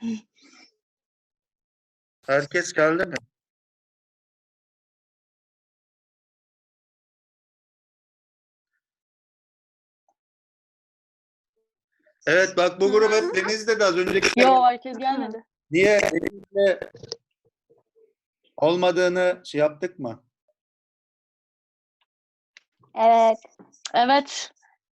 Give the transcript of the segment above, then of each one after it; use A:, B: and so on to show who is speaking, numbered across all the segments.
A: Herkes geldi mi? Evet bak bu grup hep Deniz'de de az önceki.
B: Yo, herkes gelmedi.
A: Niye Deniz'de olmadığını şey yaptık mı?
C: Evet.
B: Evet.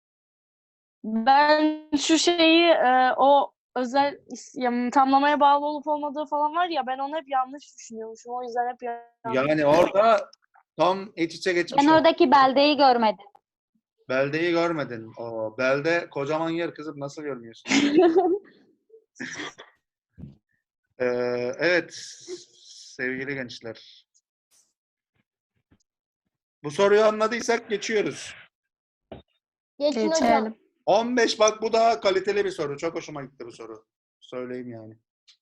B: Ben şu şeyi o özel tamlamaya bağlı olup olmadığı falan var ya, ben onu hep yanlış düşünüyormuşum. O yüzden hep yanlış.
A: Yani orada tam iç içe geçmiş.
C: Ben oradaki beldeyi görmedim.
A: Beldeyi görmedin. O belde kocaman yer kızım, nasıl görmüyorsun? Evet sevgili gençler. Bu soruyu anladıysak geçiyoruz.
C: Geçin hocam.
B: Geçelim.
A: 15 bak bu daha kaliteli bir soru. Çok hoşuma gitti bu soru. Söyleyeyim yani.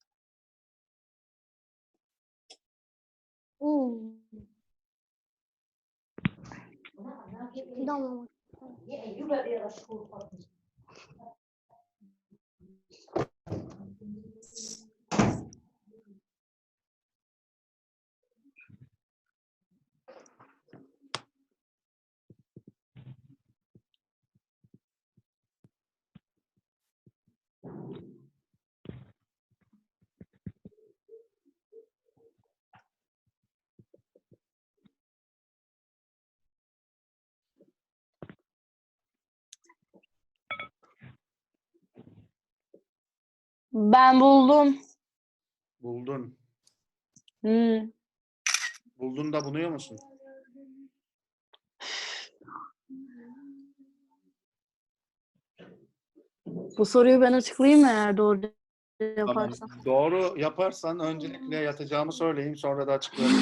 C: Tamam.
B: Ben buldum.
A: Buldun.
B: Hmm.
A: Buldun da buluyor musun?
B: Bu soruyu ben açıklayayım mı eğer doğru
A: Tamam.
B: yaparsam?
A: Doğru yaparsan öncelikle yatacağımı söyleyeyim, sonra da açıklayayım.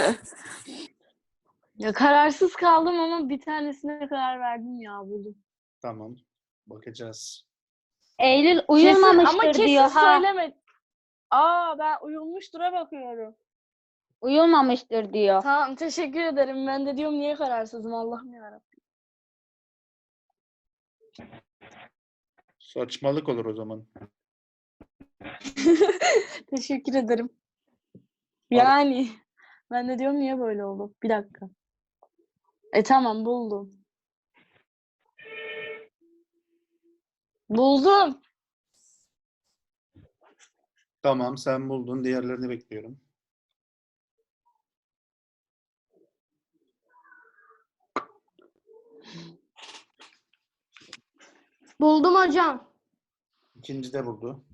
B: Ya kararsız kaldım ama bir tanesine karar verdim ya, buldum.
A: Tamam. Bakacağız.
C: Eylül
B: Kesin,
C: uyulmamıştır
B: ama kesin
C: diyor ha.
B: söyleme. Ben uyumuştur'a bakıyorum.
C: Uyulmamıştır diyor.
B: Tamam, teşekkür ederim. Ben de diyorum niye kararsızım, Allah'ım yarabbim.
A: Saçmalık olur o zaman.
B: Teşekkür ederim. Yani ben de diyorum niye böyle oldu? Bir dakika. Tamam, buldum. Buldum.
A: Tamam sen buldun. Diğerlerini bekliyorum.
C: Buldum hocam.
A: İkinci de buldu.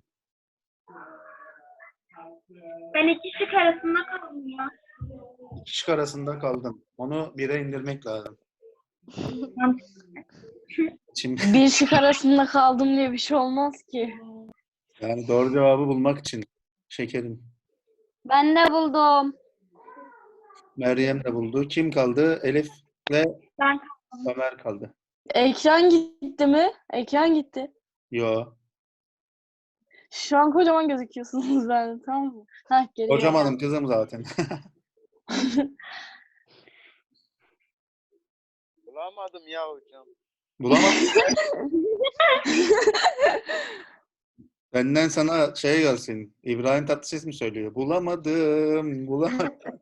D: Ben iki şık arasında kaldım ya.
A: İki şık arasında kaldım. Onu bire indirmek lazım. Şimdi
B: Bir şık arasında kaldım diye bir şey olmaz ki.
A: yani doğru cevabı bulmak için şekerim.
C: Ben de buldum.
A: Meryem de buldu. Kim kaldı? Elif'le
D: Ben
A: Ömer kaldı.
B: Ekran gitti mi? Ekran gitti.
A: Yo.
B: Şu an kocaman gözüküyorsunuz bende, tamam mı? Heh, geri
A: Kocamanım kızım zaten.
E: Bulamadım ya hocam.
A: Bulamadım. Benden sana şey gelsin. İbrahim Tatlıses mi söylüyor? Bulamadım. Bulamadım.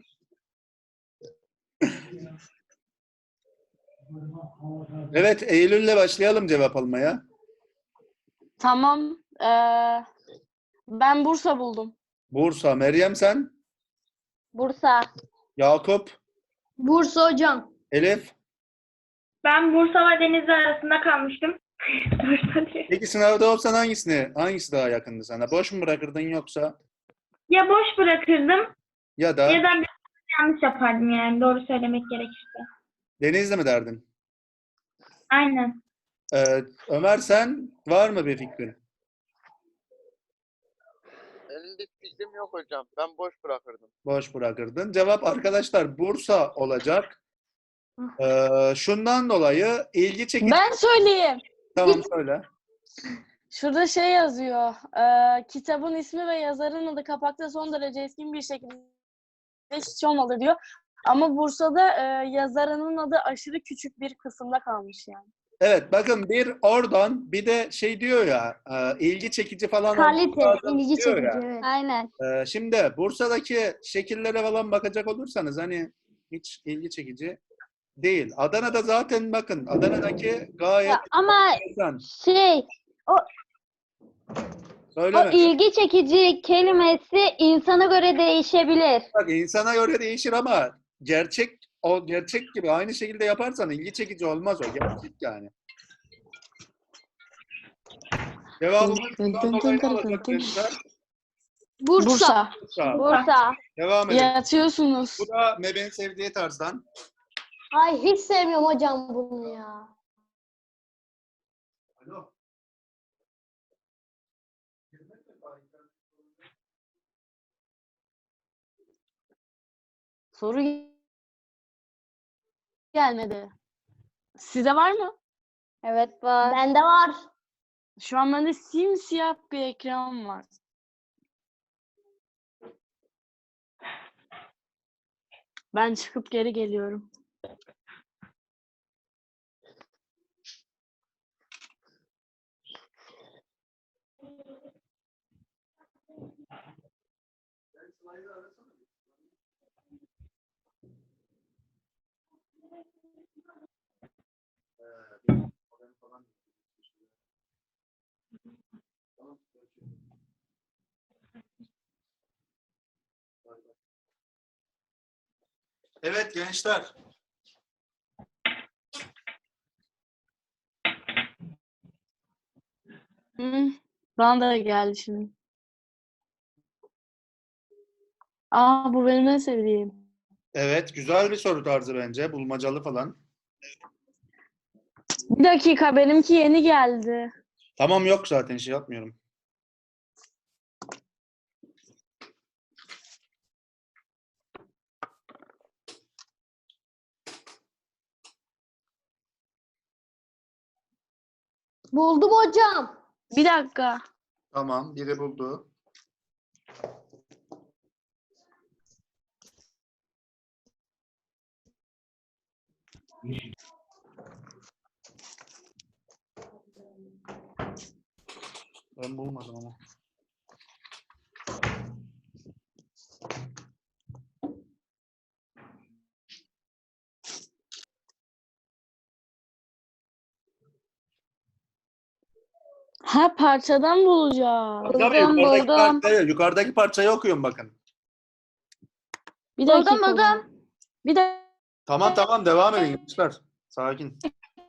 A: Evet, Eylül'le başlayalım cevap almaya.
B: Tamam. Ben Bursa buldum.
A: Bursa. Meryem sen?
C: Bursa.
A: Yakup?
C: Bursa hocam.
A: Elif?
D: Bursa ve Denizli arasında kalmıştım. Bursa diye.
A: Peki sınavda olsan hangisi daha yakındı sana? Boş mu bırakırdın yoksa?
D: Ya boş bırakırdım
A: Ya da
D: ya da bir yanlış yapardım, yani doğru söylemek gerekirse.
A: Denizli mi derdin?
D: Aynen.
A: Ömer sen var mı bir fikrin?
E: Benim bir fikrim yok hocam. Ben boş bırakırdım.
A: Boş bırakırdın. Cevap arkadaşlar Bursa olacak. Şundan dolayı ilgi çekici.
B: Ben söyleyeyim.
A: Tamam söyle.
B: Şurada şey yazıyor. Kitabın ismi ve yazarın adı kapakta son derece eskin bir şekilde hiç olmalı diyor. Ama Bursa'da yazarının adı aşırı küçük bir kısımda kalmış yani.
A: Evet bakın bir oradan bir de şey diyor ya ilgi çekici falan
C: Kalite,
A: olması lazım
C: ilgi
A: diyor
C: çekici.
A: ya.
C: Evet.
F: Aynen.
A: Şimdi Bursa'daki şekillere falan bakacak olursanız hani hiç ilgi çekici değil. Adana'da zaten bakın Adana'daki gayet
F: Ya ama
A: enteresan.
F: şey, o
A: Söyleme.
F: ilgi çekici kelimesi insana göre değişebilir.
A: Bak insana göre değişir ama o gerçek gibi aynı şekilde yaparsan ilgi çekici olmaz o. Gerçek yani. Cevabımız bundan dolayı ne olacak gençler?
B: Bursa.
A: Bursa.
F: Bursa.
A: Devam edelim.
B: Yatıyorsunuz.
A: Bu da Mebe'nin sevdiği tarzdan.
C: Ay hiç sevmiyorum hocam bunu ya.
A: Alo.
B: Soru gelmedi. Size var mı?
F: Evet var.
C: Bende var.
B: Şu an bende simsiyah bir ekran var. Ben çıkıp geri geliyorum.
A: Evet gençler.
B: Hı, bana da geldi şimdi. Aa, bu benim en sevdiğim.
A: Evet güzel bir soru tarzı bence. Bulmacalı falan.
B: Bir dakika, benimki yeni geldi.
A: Tamam yok zaten şey yapmıyorum.
C: Buldum hocam.
B: Bir dakika.
A: Tamam biri buldu. Ben bulmadım ama.
B: Ha, parçadan bulacağım.
A: Tabii
F: Buldum,
A: yukarıdaki
F: buldum.
A: yukarıdaki parçayı okuyun bakın.
B: Bir
F: Buldum,
B: dakika.
F: buldum.
B: Bir dakika.
A: Tamam devam edin gençler. Sakin.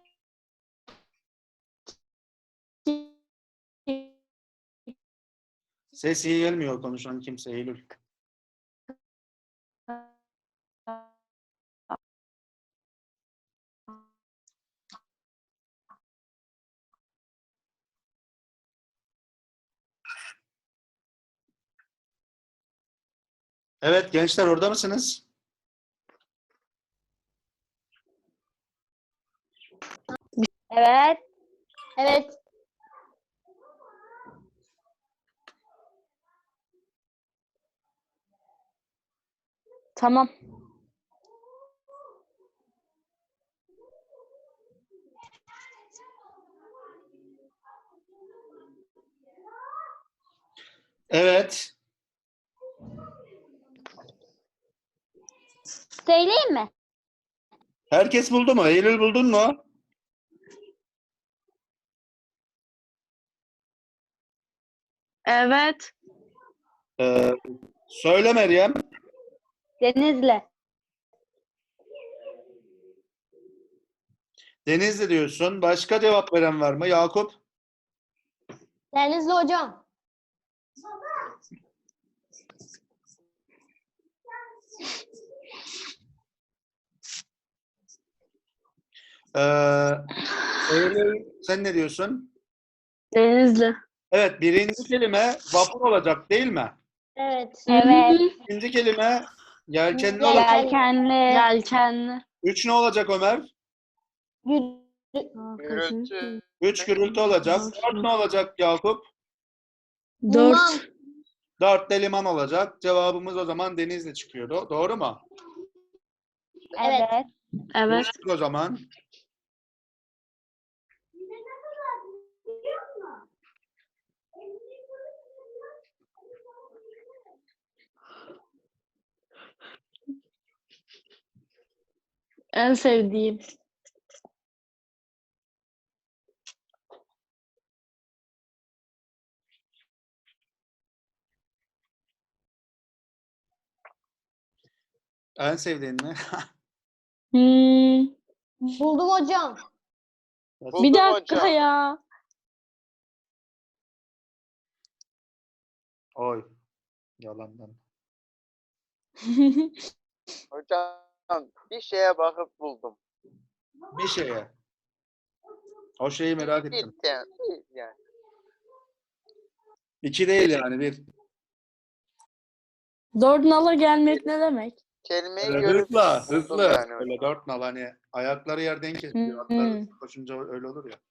A: Ses iyi gelmiyor konuşan kimse Eylül. Evet gençler orada mısınız?
F: Evet.
C: Evet.
B: Tamam.
A: Evet.
F: Söyleyeyim mi?
A: Herkes buldu mu? Eylül buldun mu?
B: Evet.
A: Söyle Meryem.
F: Denizli.
A: Denizli diyorsun. Başka cevap veren var mı? Yakup.
C: Denizli hocam.
A: Eylül sen ne diyorsun?
B: Denizli.
A: Evet birinci kelime vapur olacak değil mi?
C: Evet.
F: Evet.
A: İkinci kelime yelkenli olacak.
F: Yelkenli.
B: Yelkenli.
A: Üç ne olacak Ömer?
E: Gürültü.
A: Üç gürültü olacak. Dört ne olacak Yakup?
C: Liman.
B: 4.
A: Dört de liman olacak. Cevabımız o zaman Denizli çıkıyor. Doğru mu?
C: Evet.
F: Evet.
B: Evet.
A: O zaman
B: En sevdiğim.
A: En sevdiğin mi?
B: Hmm,
C: Buldum hocam.
B: bir
E: Buldum
B: dakika
E: hocam.
B: ya.
A: Oy. Yalandan.
E: Hocam bir şeye bakıp buldum.
A: Bir şeye. O şeyi merak
E: Bir
A: ettim.
E: tane. Yani.
A: 2 değil yani, 1.
B: Dört nala gelmek ne demek?
E: Kelimeyi
A: Böyle
E: görüp
A: hızla,
E: buldum
A: hızlı.
E: yani
A: Böyle
E: hocam.
A: 4 nal, hani ayakları yerden kesiyor. Atlar hızlı koşunca öyle olur ya.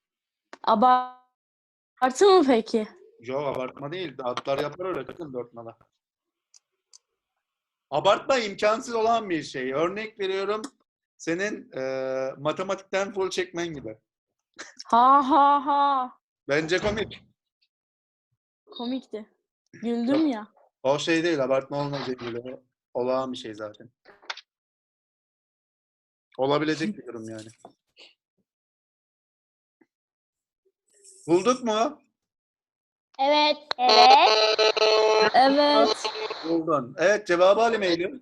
B: Abartı mı peki?
A: Yok, abartma değil. Atlar yapar öyle kızım 4 nala. Abartma imkansız olan bir şey. Örnek veriyorum. Senin matematikten full çekmen gibi.
B: Ha ha ha.
A: Bence komik.
B: Komikti. Güldüm ya.
A: O şey değil, abartma olmayacak gibi. Olağan bir şey zaten. Olabilecek bir durum yani. Bulduk mu?
C: Evet.
F: Evet.
B: Evet.
A: Buldun. Evet, cevabı alayım Eylül.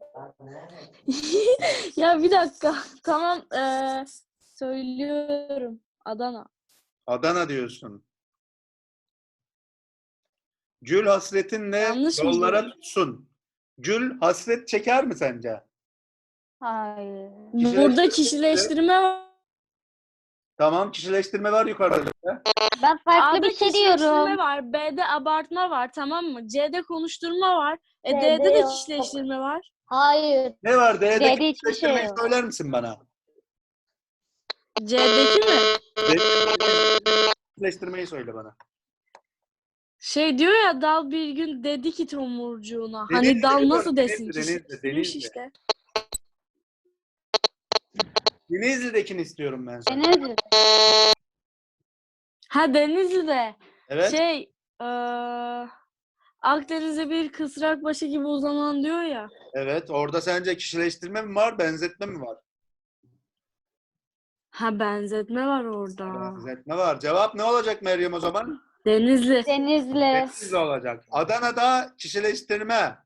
B: Ya bir dakika. Tamam. Söylüyorum. Adana.
A: Adana diyorsun. Gül hasretinle
B: Yanlış mı
A: yollara
B: diyorum?
A: tutsun. Gül hasret çeker mi sence?
F: Hayır.
B: Burada kişileştirme var.
A: Tamam, kişileştirme var yukarıda.
F: Ben farklı
B: A'da
F: bir şey
B: kişileştirme
F: diyorum.
B: var. B'de abartma var. Tamam mı? C'de konuşturma var.
C: D'de
B: D'de de
C: yok.
B: kişileştirme var.
C: Hayır.
A: Ne var? D'deki
F: D'de hiçbir şey
A: kişileştirmeyi
F: yok.
A: söyler misin bana?
B: C'deki mi?
A: D'deki kişileştirmeyi söyle bana.
B: Şey diyor ya, dal bir gün dedi ki tomurcuğuna. Hani
A: Denizli
B: dal
A: kızım,
B: nasıl desin?
A: Denizli.
B: Kişileştirmiş işte.
A: Denizli'dekini istiyorum ben sana.
F: Denizli.
B: Ha, Denizli'de.
A: Evet.
B: Şey, Akdeniz'de bir kısrak başı gibi uzanan diyor ya.
A: Evet. Orada sence kişileştirme mi var, benzetme mi var?
B: Ha, benzetme var orada.
A: Benzetme var. Cevap ne olacak Meryem o zaman?
B: Denizli.
F: Denizli.
A: Denizli olacak. Adana'da kişileştirme.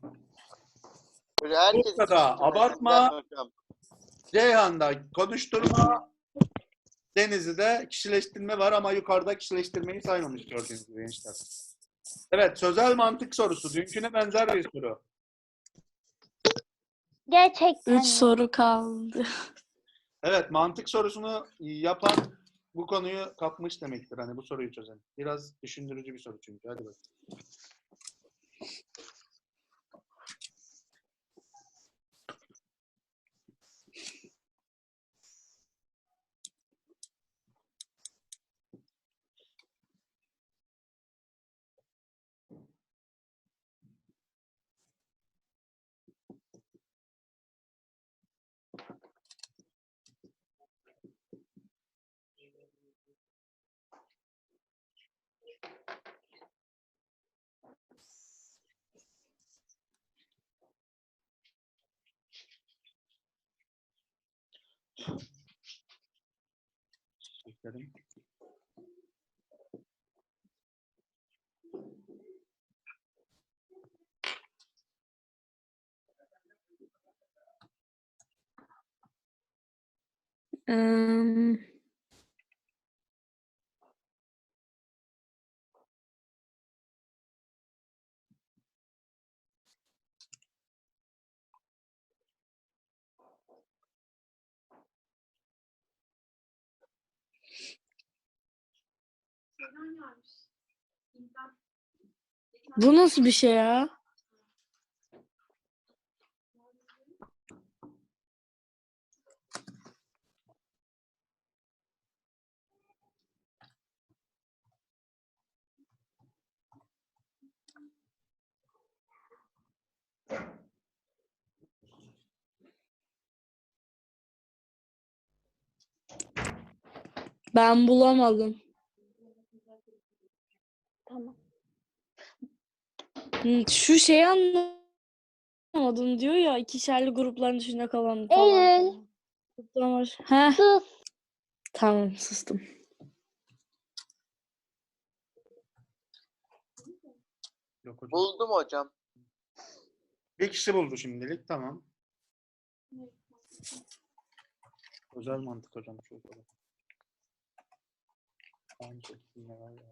E: Hocam herkes
A: Bursa'da
E: kişileştirme
A: abartma.
E: benzer hocam.
A: Ceyhan'da konuşturma. Denizli'de kişileştirme var ama yukarıda kişileştirmeyi saymamış gördüğünüz gibi gençler. Evet, sözel mantık sorusu. Dünküne benzer bir soru.
F: Gerçekten
B: 3
F: mi?
B: soru kaldı.
A: Evet, mantık sorusunu yapan bu konuyu kapmış demektir. Hani bu soruyu çözen. Biraz düşündürücü bir soru çünkü. Hadi bakalım. Beklerim.
B: Im, Bu nasıl bir şey ya? Ben bulamadım.
F: Tamam.
B: Şu şeyi anlamadım diyor ya, ikişerli grupların içinde kalan falan.
C: Eylül.
B: Heh,
C: Sus.
B: tamam sustum.
A: Yok hocam.
E: Buldum hocam.
A: Bir kişi buldu şimdilik. Tamam. Özel mantık hocam. Çok kolay. Aynı şekilde var ya.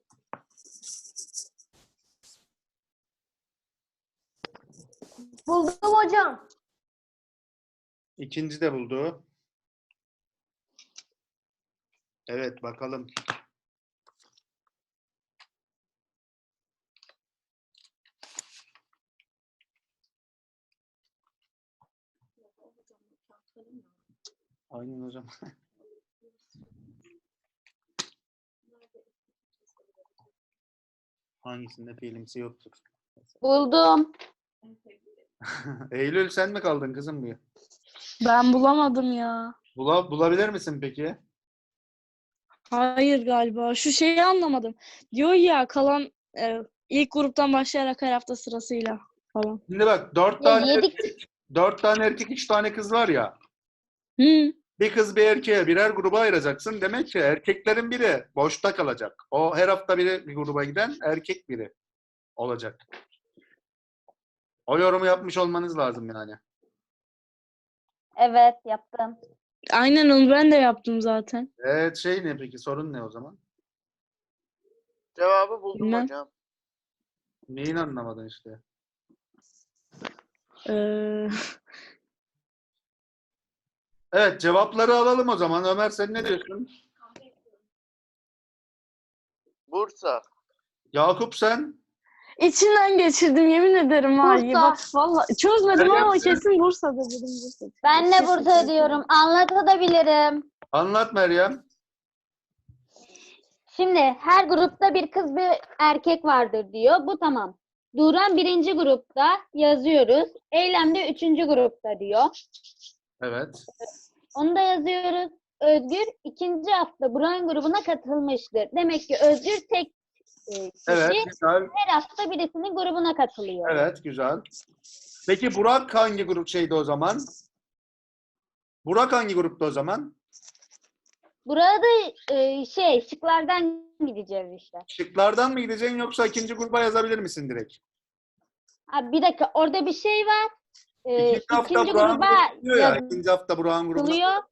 C: Buldum hocam.
A: İkinci de buldu. Evet bakalım. Aynen hocam. Hangisinde fiilimsi yoktur?
F: Buldum.
A: Eylül sen mi kaldın kızım bu?
B: Ben bulamadım ya.
A: Bulabilir misin peki?
B: Hayır galiba. Şu şeyi anlamadım. Diyor ya kalan ilk gruptan başlayarak her hafta sırasıyla falan.
A: Şimdi bak
C: Ya yedik.
A: 4 tane erkek 3 tane kız var ya.
B: Hı.
A: Bir kız bir erkeğe birer gruba ayıracaksın. Demek ki erkeklerin biri boşta kalacak. O her hafta biri bir gruba giden erkek biri olacak. O yorumu yapmış olmanız lazım yani.
F: Evet, yaptım.
B: Aynen onu ben de yaptım zaten.
A: Evet şey ne peki sorun ne o zaman?
E: Cevabı buldum
B: Bilmem.
E: hocam.
A: Neyin anlamadın işte?
B: Ee,
A: Evet cevapları alalım o zaman. Ömer sen ne diyorsun?
E: Bursa.
A: Yakup sen?
B: içinden geçirdim yemin ederim ha.
C: Bursa.
B: Bak vallahi çözmedim
A: Meryem
B: ama
A: sen?
B: kesin Bursa'da dedim Bursa.
F: Ben de
B: Kesin
F: Bursa diyorum. Anlatabilirim.
A: Anlat Meryem.
F: Şimdi her grupta bir kız bir erkek vardır diyor. Bu tamam. Duran birinci grupta yazıyoruz. Eylem de üçüncü grupta diyor.
A: Evet.
F: Onu da yazıyoruz. Özgür ikinci hafta Buran grubuna katılmıştır. Demek ki Özgür tek kişi
A: Evet güzel.
F: her hafta birisinin grubuna katılıyor.
A: Evet güzel. Peki Burak hangi grup şeydi o zaman? Burak hangi grupta o zaman?
F: Burada şıklardan gideceğiz işte.
A: Şıklardan mı gideceksin yoksa ikinci gruba yazabilir misin direkt?
F: Abi bir dakika orada bir şey var.
A: İkinci hafta
F: İkinci
A: Burak'ın
F: gruba
A: grubu diyor ya. İkinci hafta Burak'ın grubuna.
F: yazılıyor.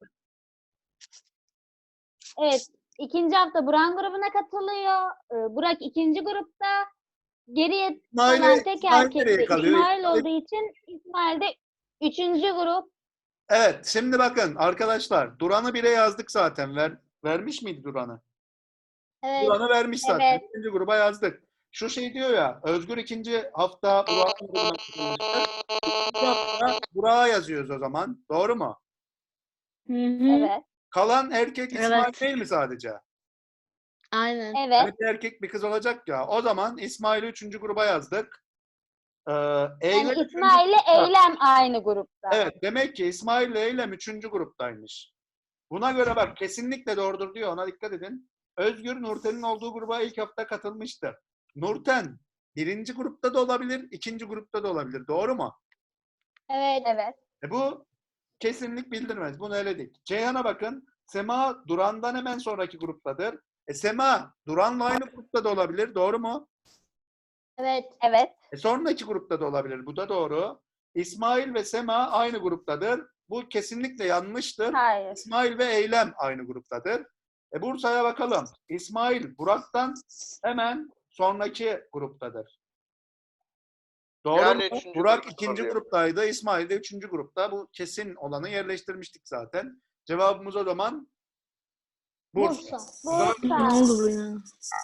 F: Evet. İkinci hafta Buran grubuna katılıyor. Burak ikinci grupta. Geriye kalan tek
A: İsmail
F: erkek
A: nereye
F: de
A: kalıyor?
F: İsmail olduğu için İsmail de üçüncü grup.
A: Evet, şimdi bakın arkadaşlar, Duran'ı bire yazdık zaten. Vermiş miydi Duran'ı?
F: Evet.
A: Duran'ı vermiş zaten.
F: Evet.
A: İkinci gruba yazdık. Şu şey diyor ya, Özgür ikinci hafta Burak'ın grubuna katılmıştır. İkinci hafta Burak'a yazıyoruz o zaman. Doğru mu?
B: Hı hı.
F: Evet.
A: Kalan erkek İsmail
B: Evet.
A: değil mi sadece?
B: Aynen.
F: Evet.
A: Hani bir erkek bir kız olacak ya. O zaman İsmail'i üçüncü gruba yazdık.
F: Yani
A: Eylem üçüncü
F: İsmail ile
A: grupta.
F: Eylem aynı grupta.
A: Evet, demek ki İsmail ile Eylem üçüncü gruptaymış. Buna göre bak kesinlikle doğrudur diyor. Ona dikkat edin. Özgür Nurten'in olduğu gruba ilk hafta katılmıştı. Nurten birinci grupta da olabilir, ikinci grupta da olabilir. Doğru mu?
F: Evet. Evet.
A: Bu kesinlik bildirmez. Bunu eledik. Ceyhan'a bakın. Sema Duran'dan hemen sonraki gruptadır. Sema Duran'la aynı grupta da olabilir. Doğru mu?
F: Evet. Evet.
A: Sonraki grupta da olabilir. Bu da doğru. İsmail ve Sema aynı gruptadır. Bu kesinlikle yanlıştır.
F: Hayır.
A: İsmail ve Eylem aynı gruptadır. Bursa'ya bakalım. İsmail Burak'tan hemen sonraki gruptadır. Doğru
E: Yani
A: mu?
E: üçüncü
A: Burak
E: grupta
A: ikinci
E: oluyor.
A: gruptaydı. İsmail de üçüncü grupta. Bu kesin olanı yerleştirmiştik zaten. Cevabımız o zaman Bursa.
C: Bursa.
B: Ne
F: Bursa.
B: oldu bu ya?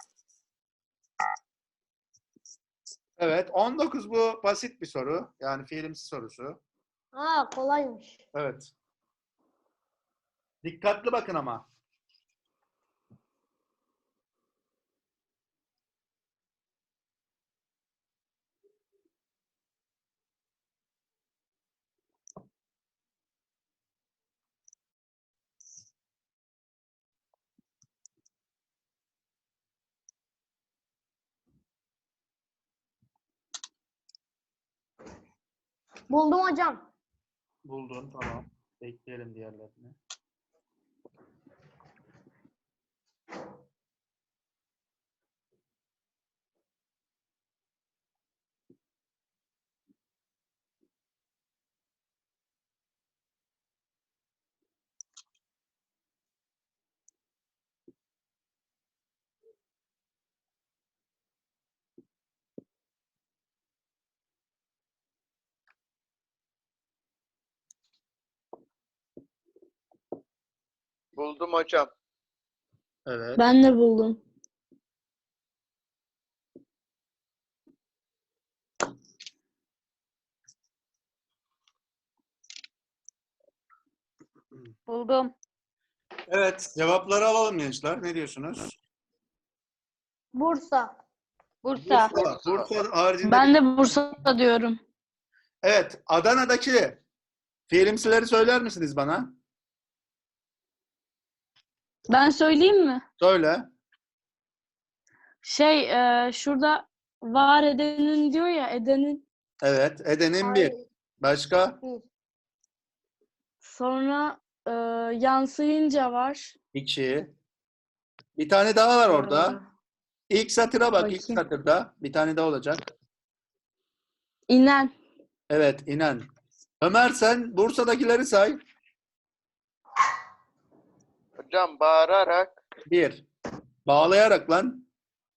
A: Evet. 19 bu basit bir soru. Yani fiilimsi sorusu.
C: Ha kolaymış.
A: Evet. Dikkatli bakın ama.
C: Buldum hocam.
A: Buldun tamam. Bekleyelim diğerlerini.
E: Buldum hocam.
A: Evet.
B: Ben de buldum.
F: Buldum.
A: Evet. Cevapları alalım gençler. Ne diyorsunuz?
C: Bursa.
F: Bursa.
A: Bursa haricinde.
B: Ben de Bursa diyorum.
A: Evet. Adana'daki filmsileri söyler misiniz bana?
B: Ben söyleyeyim mi?
A: Söyle.
B: Şurada var edenin diyor ya, edenin.
A: Evet. Eden'in bir.
C: Hayır.
A: Başka?
C: Bir.
B: Sonra yansıyınca var.
A: İki. Bir tane daha var orada.
B: Ee,
A: İlk satıra bak. İlk
B: bakayım.
A: satırda. Bir tane daha olacak.
B: İnen.
A: Evet. inen. Ömer sen Bursa'dakileri say.
E: Hocam bağırarak.
A: Bir. Bağlayarak lan.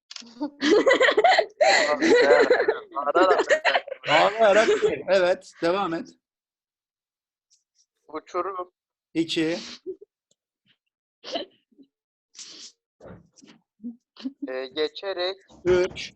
E: Bağırarak.
A: Bağlayarak bir. Evet. Devam et.
E: Uçurum.
A: 2.
E: Geçerek
A: 3.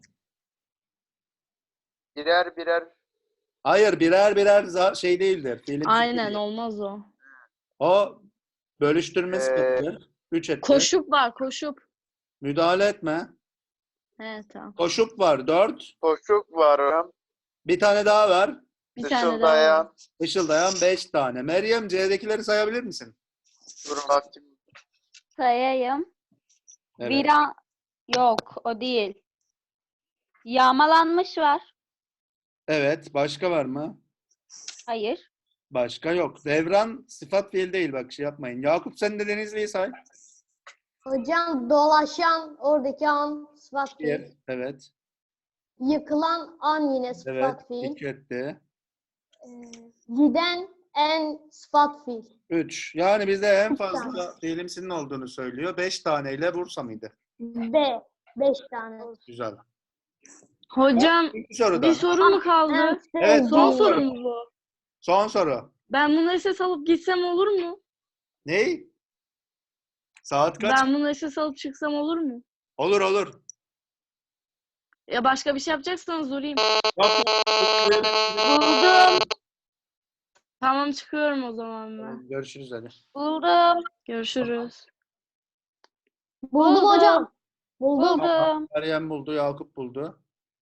E: birer birer.
A: Hayır birer birer şey değildir. Film
B: Aynen,
A: değildir.
B: olmaz o.
A: O bölüştürme
E: Ee,
A: sıfatıdır. 3 etti.
B: Koşup var, koşup.
A: Müdahale etme.
B: He, tamam.
A: Koşup var 4.
E: Koşuk var hocam.
A: Bir tane daha var.
B: Bir tane daha var.
E: Işıldayan.
A: Işıldayan 5 tane. Meryem C'dekileri sayabilir misin?
E: Dur bakayım.
F: Sayayım.
A: Evet.
F: Viran yok, o değil. Yağmalanmış var.
A: Evet. Başka var mı?
F: Hayır.
A: Başka yok. Devran sıfat fiil değil bak şey yapmayın. Yakup sen de Denizli'yi say.
C: Hocam dolaşan oradaki an sıfat fiil.
A: 1. Evet.
C: Yıkılan an yine
A: Evet.
C: sıfat fiil.
A: 2 etti.
C: Giden en sıfat fiil.
A: 3. Yani bizde en
C: Üç
A: fazla fiilimsinin olduğunu söylüyor. 5 taneyle Bursa mıydı?
C: B. 5 tane.
A: Güzel.
B: Hocam
A: İkinci sorudan.
B: bir soru mu kaldı?
C: En
A: Evet,
B: Son
A: son
B: soru
A: soru.
B: mu bu?
A: Son soru.
B: Ben bunu SS alıp gitsem olur mu?
A: Ney? Saat kaç?
B: Ben bunu SS alıp çıksam olur mu?
A: Olur olur.
B: Ya başka bir şey yapacaksanız uğrayayım.
A: Yok.
F: Buldum.
B: Tamam, çıkıyorum o zaman ben.
A: Tamam, görüşürüz hadi.
F: Buldum.
B: Görüşürüz.
C: Buldum hocam. Buldum.
F: Buldum.
A: Meryem buldu, Yakup buldu.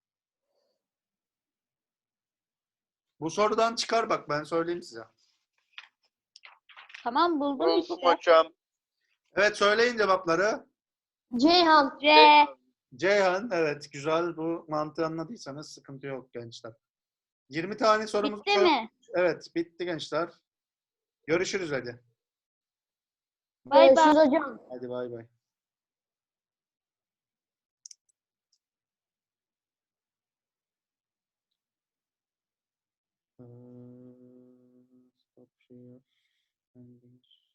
A: Bu sorudan çıkar bak ben söyleyeyim size.
F: Tamam, buldum
E: Buldum
F: işte.
E: hocam.
A: Evet söyleyin cevapları.
C: Ceyhan.
F: C.
A: Ceyhan evet güzel bu mantığı anladıysanız sıkıntı yok gençler. 20 tane sorumuz
F: Bitti
A: var.
F: mi?
A: Evet bitti gençler. Görüşürüz hadi.
F: Bay bay.
C: Görüşürüz hocam.
A: Hadi bay bay. Stop share. Endings.